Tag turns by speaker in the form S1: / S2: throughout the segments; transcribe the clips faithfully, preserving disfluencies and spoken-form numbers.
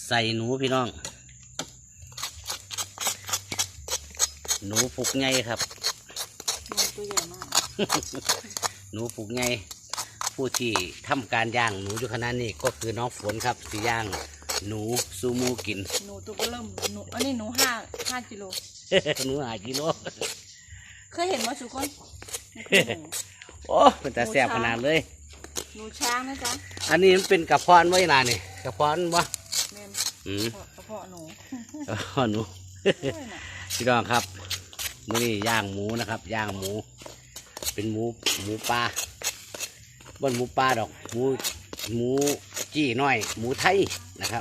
S1: ใส่หนูพี่น้องหนูปุกไงครับ
S2: หนูตัวใหญ่มาก
S1: หนูปุกไงผู้ที่ทำการย่างหนูอยู่ขนาดนี้ก็คือน้องฝนครับที่ย่างหนูซูมูกิน
S2: หนูตัวก็เริ่มหนูอันนี้หนูห้าห้ากิโล
S1: หนูห้ากิโล
S2: เคยเห็นว่าสุกคน
S1: โอ้เป็นแต่แซ่บขนาดเลย
S2: หนูช้างนะจ๊ะ
S1: อันนี้มันเป็นกระเพาะไว้นานนี่กระเพาะวะ
S2: อืมกระเพาะหนู
S1: กระเพาะหนูพี่น้องครับมื้อนี้ย่างหมูนะครับย่างหมูเป็นหมูหมูปลาบนหมูปลาดอกหมูหมูจี้น้อยหมูไทยนะครับ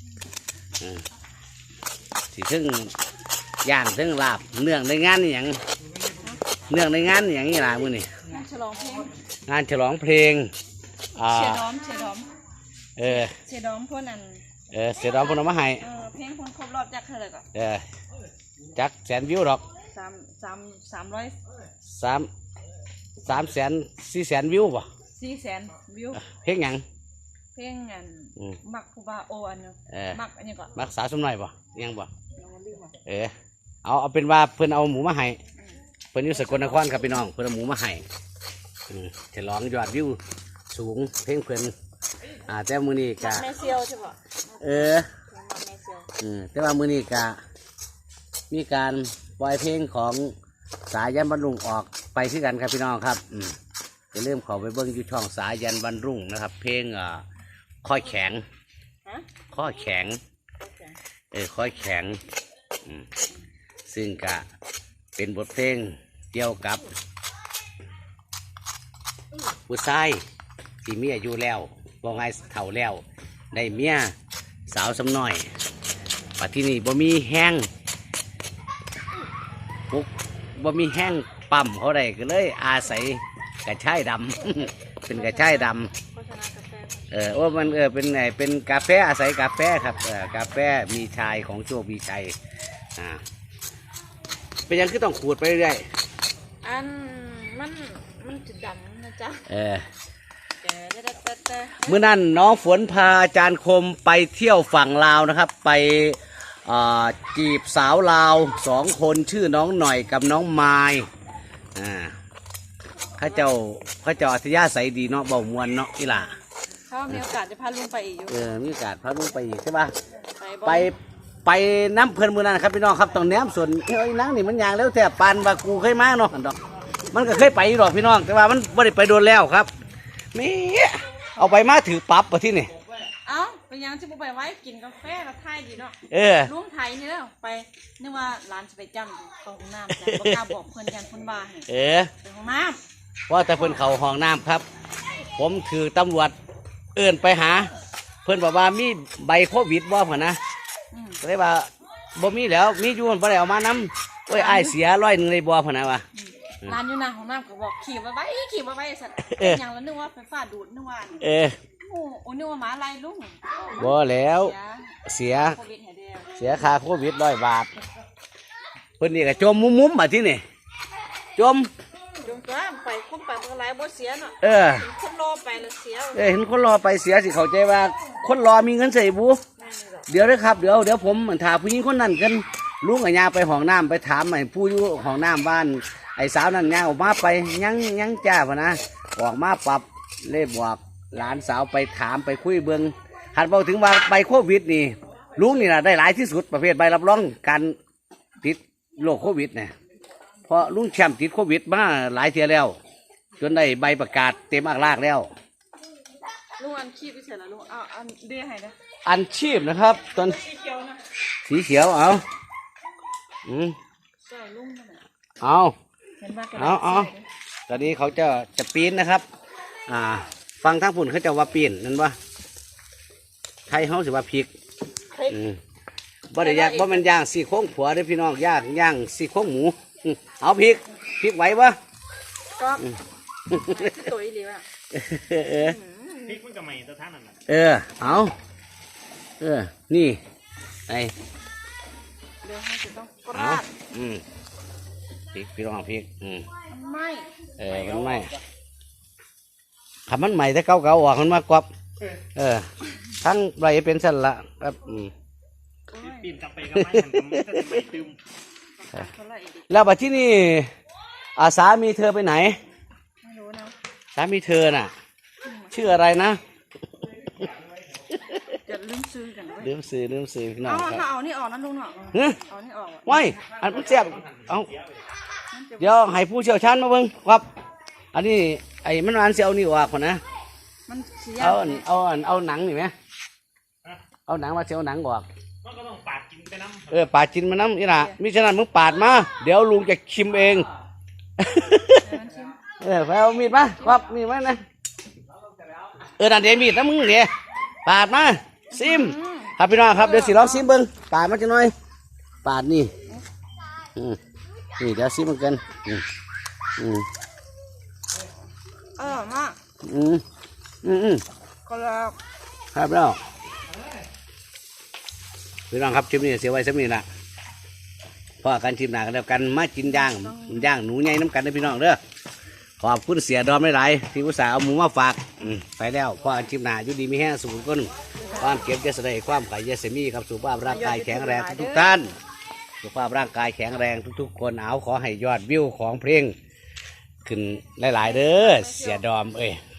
S1: สิซึ่งย่างซึ่งลาบเนื่องในงานอย่างเนื่องในงานอย่างนี้ล่ะมื้อนี้
S2: งานฉลองเพลง
S1: งานฉลองเพลง
S2: เชียร์ดอมเชียร์ดอม
S1: เออ
S2: เชียร์ดอมพวกนั้น
S1: เออเสียดอมพวกนั้นมาให้
S2: เออเพลงคนครบรอบจักเท่าไหร่ก่อน
S1: เออจักแสนวิวดอก
S2: สามสามสามร้อย
S1: สามสามแสนสี่แสนวิวป่ะ
S2: สี่แสนวิว
S1: เพลงยัง
S2: เพลงอันมักคูบาโออันนึงมักอันนี้ก่อน
S1: มักสาวสมหน่อยป่ะยังป่ะเออเอาเอาเป็นว่าเพื่อนเอาหมูมาให้เพื่อนอยู่สกลนครครับพี่น้องเพื่อนเอาหมูมาให้ฉลองยอดวิวสูงเพลงเพื่อนอ่าแต่มือนี้กะ
S2: แม่เซียวใช่ป่ะ
S1: เอออืมแต่ว่ามือนี้กะมีการปล่อยเพลงของสายันบรรลุงออกไปที่กันครับพี่น้องครับอืมจะเริ่มขอไปเบิ้งอยู่ช่องสายันบรรลุงนะครับเพลงอ่าข้อแข็งข้อแข็งเออข้อแข็งอืมซึ่งกะเป็นบทเพลงเกี่ยวกับผู้ชายที่เมียอยู่แล้วบ่ไงเฒ่าแล้วได้เมียสาวสำน้อยปัจจุบันบ่มีแห้งปุ๊บบ่มีแห้งปั๊มเขาได้ก็เลยอาศัยกระชายดำ เป็นกระชายดำเออว่ามันเออเป็นไงเป็นกาแฟอาศัยกาแฟครับเออกาแฟมีชายของโชคมีชัยอ่าเป็นยังคือต้องขูดไปเรื่อย
S2: อันมันมันจะดำนะจ๊ะ
S1: เออเมื่อนั้นน้องฝนพาอาจารย์คมไปเที่ยวฝั่งลาวนะครับไปจีบสาวลาวสองคนชื่อน้องหน่อยกับน้องไม้อ่าข้าเจ้าข้าเจ้าอัธยาศัยดีเนาะเบามวนเนาะอีหล่ะ
S2: เขามีโอกาสจะพาลุงไปอีกอยู่
S1: เออมีโอกาสพาลุงไปอีกใช่ป่ะไปไปน้ำเพลินมือนั้นครับพี่น้องครับตรงแนมส่วนเอ้ยนั่งนี่มันยางแล้วแต่ปานว่ากูเคยมาเนาะดอกมันก็เคยไปหรอกพี่น้องแต่ว่ามันไม่ได้ไปโดนแล้วครับมีเอาไปมาถือปั๊บมาที่นี่
S2: เอ้าไปยังจะไปไว้กินกาแฟกับไทยดีเนาะ
S1: เออ
S2: ลุงไทยนี่แล้วไปนึกว่าร้านจะไปจำตรงน้ำจ้ะบอกกล้าบอกเพื่อนกันคนบ้า
S1: เออ
S2: ไปห้องน้
S1: ำว่าแต่เพื่อนเขาห้องน้ำครับผมถือตำรวจเอื้อนไปหาเพื่อนบอกว่ามีใบโควิดบ่เหรอนะเลยว่าบ่มีแล้วมีอยู่บ่ได้เอามาน้ำโอ้ยไอเสียร้อยหนึ่งเลยบ่เหรอนะวะ
S2: ร้านอยู่หน้าห้องน้ำก็บอกขี่มาไว้ขี่มาไว้สัตว์อย่างละนึกว่าไฟฟ้าดูดนึกว่า
S1: เออ
S2: โอ้โหนึกว่าหมาลายลุง
S1: บ่แล้วเสียเสียค่าโควิดร้อยบาทเพิ่นนี่ก็จมมุ้มมุ้มมาที่นี่จม
S2: จมตัวไปคุ้มไปเมื่อไรบ่เสียเนาะ
S1: เออ
S2: คนรอไปแล้วเสีย
S1: เออเห็นคนรอไปเสียสิเข้าใจว่าคนรอมีเงินใส่บูเดี๋ยวนะครับเดี๋ยวเดี๋ยวผมถามผู้หญิงคนนั้นกันลุงกับยาไปห้องน้ำไปถามไอ้ผู้อยู่ห้องน้ำบ้านไอ้สาวนั่นยาออกมาไปยังยังจ้าพนะออกมาปรับเล่บอกหลานสาวไปถามไปคุยเบิ้งหัดบอกถึงว่าใบโควิดนี่ลุงนี่นะได้หลายที่สุดประเภทใบรับรองการติดโรคโควิดเนี่ยเพราะลุงแชมป์ติดโควิดมาหลายเที่ยแล้วจนได้ใบประกาศเต็มอักลากแล้ว
S2: ลุงอันชีพไปเสร็จแล้วลุงเอาอันเดียให้นะ
S1: อันชีพนะครับตอน
S2: สีเขียวนะ
S1: สีเขียวเอาอืม
S2: ใช่ลุงนั่นแหละ
S1: เอาเอาเอาตอนนี้เขาจะจะปีนนะครับอ่าฟังทั้งฝุ่นเขาจะว่าปีนนั่นวะไทยเขาสิว่าพริกอืมบ่ได้ยากบ่มันย่างสี่โค้งผัวได้พี่น้องย่างย่างสี่โค้งหมูเอาพริกพริกไหวปะ
S2: ก็ตัวอีหลีว่ะ
S1: เออ
S3: พริกมันก็ใหม่ตัวท่านนั่นแหละ
S1: เออเอาเออนี่ไอ
S2: เดี๋ยวให้จะต้องกราด
S1: อืมพริกพี่น้องพริกอืม
S2: ไม่
S1: เออมันไม่ทำมันใหม่แต่เก่าๆออกมันมากกว่าเออทั้งไรเป็นสันละครับอืม
S2: โอ้ย
S3: ปีนกลับไปกลับมาอย่างกับมันจะใหม่ตึม
S2: เท่าไหร่ดิ
S1: แล้วบัดที่นี่อาสามีเธอไปไหน
S2: ไม่รู้นะ
S1: สามีเธอน่ะ ชื่ออะไรนะ
S2: จะลืมซื้อกันด้วย
S1: ลืมซื้อลืมซื้อพี่น้อ
S2: เอา
S1: งค
S2: ถ้า
S1: รับ
S2: เอานี่ออกนะลุงเนาะ
S1: เฮ้ย
S2: เอานี่ออกอะ
S1: ว้ายอันมันเสียบเอา
S2: มันจะ
S1: เดี๋ยวให้ผู้เชี่ยวชาญมาเบิ่งครับ อันนี้ไอ้มันอันเสียเอานี่ออกก่อนนะ
S2: มันเสีย
S1: เอาอันเอาอันเอาหนังนี่ไหมเอาหนังมาเสียเอาหนังออก
S3: มันก็ต้องปาดกินไปน้ำ
S1: เออปาดจินมาน้ำนี่นะมิฉะนั้นมึงปาดมา เดี๋ยวลุงจะชิมเอง
S2: เดี๋ยวมันชิม
S1: เออไปเอามีดมาครับมีดมานะเออนั่นเดี๋ยวมีดนะมึงเดี๋ยวปาดมาซิม
S2: อืม
S1: ครับพี่น้องครับเดี๋ยวสิลองซิมเบิ้งปาดมาจะหน่อยปาดนี่อืมนี่เดี๋ยวซิมมันกันอืมอืม
S2: อร่อยมาก
S1: อืมอืมอืม
S2: ก็แล้ว
S1: ครับแล้วพี่น้องครับชิมนี่เสียไว้สักนิดละพอกันชิมหนากันแล้วกันมากินย่างย่างหนูใหญ่น้ำกันนะพี่น้องเด้อขอบคุณเสียดอมหลายๆที่อุตส่าห์เอาหมูมาฝากอืมไปแล้วพอกันชิมหนาอยู่ดีมีแห้งสูงก้นความเก็บจะแสดงความไข่ยาเสมีครับสุขภาพร่างกายแข็งแรงทุกๆท่านสุขภาพร่างกายแข็งแรงทุกๆคนเอาขอให้ยอดวิวของเพลงขึ้นหลายๆเด้อเสียดอมเอ้ย